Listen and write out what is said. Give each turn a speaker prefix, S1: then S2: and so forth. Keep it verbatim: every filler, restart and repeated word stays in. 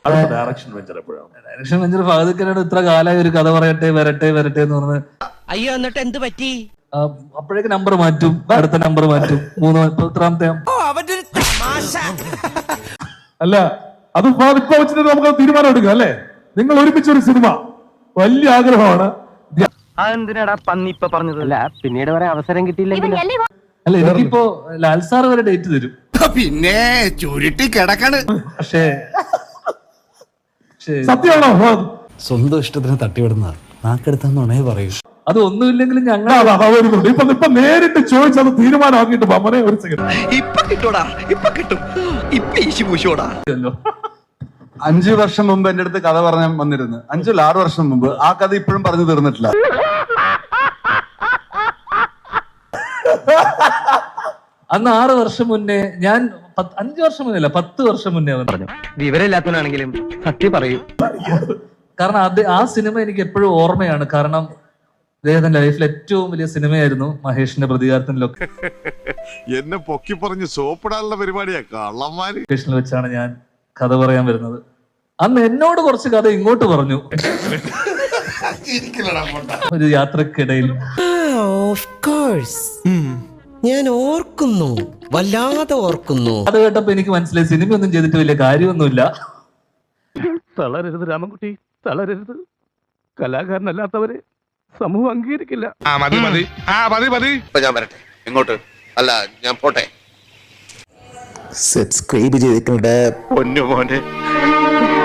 S1: Direction venture എപ്പോഴാണ്?
S2: Direction venture ഫഹദിക്കനോട് ഇത്ര കാലമായി ഒരു കഥ പറയട്ടെ വരട്ടെ വരട്ടെ എന്ന് പറഞ്ഞ്
S3: അയ്യോ എന്നിട്ട് എന്ത് പറ്റി?
S2: അപ്പോഴേക്ക് നമ്പർ മാറ്റും, അടുത്ത നമ്പർ മാറ്റും, മൂന്ന് എത്രാമത്തെ
S1: അല്ല അത് ഇപ്പൊ വെച്ചിട്ട് നമുക്ക് തീരുമാനം എടുക്കാം അല്ലേ? നിങ്ങൾ ഒരുമിച്ചൊരു സിനിമ വലിയ ആഗ്രഹമാണ്.
S4: അതെന്തിനാടാ പന്നി ഇപ്പൊ പറഞ്ഞത്? അല്ല പിന്നീട് വരെ അവസരം കിട്ടിയില്ലെങ്കിൽ
S2: അല്ല എനിക്കിപ്പോ ലാൽ സാർ വരെ ഡേറ്റ് തരും.
S5: പിന്നെ ചുരുട്ടി കിടക്കാണ്.
S2: പക്ഷേ
S1: സത്യമാണോ?
S6: സ്വന്തം ഇഷ്ടത്തിന് തട്ടിവിടുന്ന നാക്കെടുത്താന്നുണേ പറയൂ.
S2: അത് ഒന്നുമില്ലെങ്കിലും ഞങ്ങൾ
S1: വരുന്നുണ്ട്. ഇപ്പൊ ഇപ്പൊ നേരിട്ട് ചോദിച്ചത് തീരുമാനമാക്കിട്ട് മമനെ ഒരു സെക്കൻഡ്.
S5: ഇപ്പൊ കിട്ടൂടാ, ഇപ്പൊ കിട്ടും, ഇപ്പൊ ഈശി പൂശോടാ.
S7: അഞ്ചു വർഷം മുമ്പ് എന്റെ അടുത്ത് കഥ പറഞ്ഞാൽ വന്നിരുന്നു. അഞ്ചല്ല ആറു വർഷം മുമ്പ്. ആ കഥ ഇപ്പോഴും പറഞ്ഞു തീർന്നിട്ടില്ല.
S2: അന്ന് ആറ് വർഷം മുന്നേ ഞാൻ അഞ്ചു വർഷം മുന്നേ അല്ല പത്ത് വർഷം മുന്നേ പറഞ്ഞു.
S4: വിവരമില്ലാത്തവനാണെങ്കിലും സത്യം പറയൂ.
S2: കാരണം അത് ആ സിനിമ എനിക്ക് എപ്പോഴും ഓർമ്മയാണ്. കാരണം അദ്ദേഹത്തിന്റെ ലൈഫിൽ ഏറ്റവും വലിയ സിനിമയായിരുന്നു മഹേഷിന്റെ പ്രതികാരത്തിലൊക്കെ.
S8: എന്നെ പൊക്കി പറഞ്ഞ് സോപ്പിടാനുള്ള പരിപാടിയാ കള്ളന്മാര്.
S2: ലൊക്കേഷനിൽ വെച്ചാണ് ഞാൻ കഥ പറയാൻ വരുന്നത്. അന്ന് എന്നോട് കുറച്ച് കഥ ഇങ്ങോട്ട് പറഞ്ഞു ഒരു യാത്രക്കിടയിൽ.
S3: ഞാൻ ഓർക്കുന്നു, വല്ലാതെ ഓർക്കുന്നു.
S2: അത് കേട്ടപ്പോ എനിക്ക് മനസ്സിലായി സിനിമയൊന്നും ചെയ്തിട്ട് വലിയ കാര്യമൊന്നുമില്ല.
S4: തളരരുത് രാമൻകുട്ടി, തളരരുത്. കലാകാരനല്ലാത്തവരെ സമൂഹം അംഗീകരിക്കില്ല.
S5: ഞാൻ വരട്ടെ. എങ്ങോട്ട്? അല്ല ഞാൻ പോട്ടെ.
S6: സബ്സ്ക്രൈബ് ചെയ്തിട്ടുണ്ട്
S5: പൊന്നു മോനെ.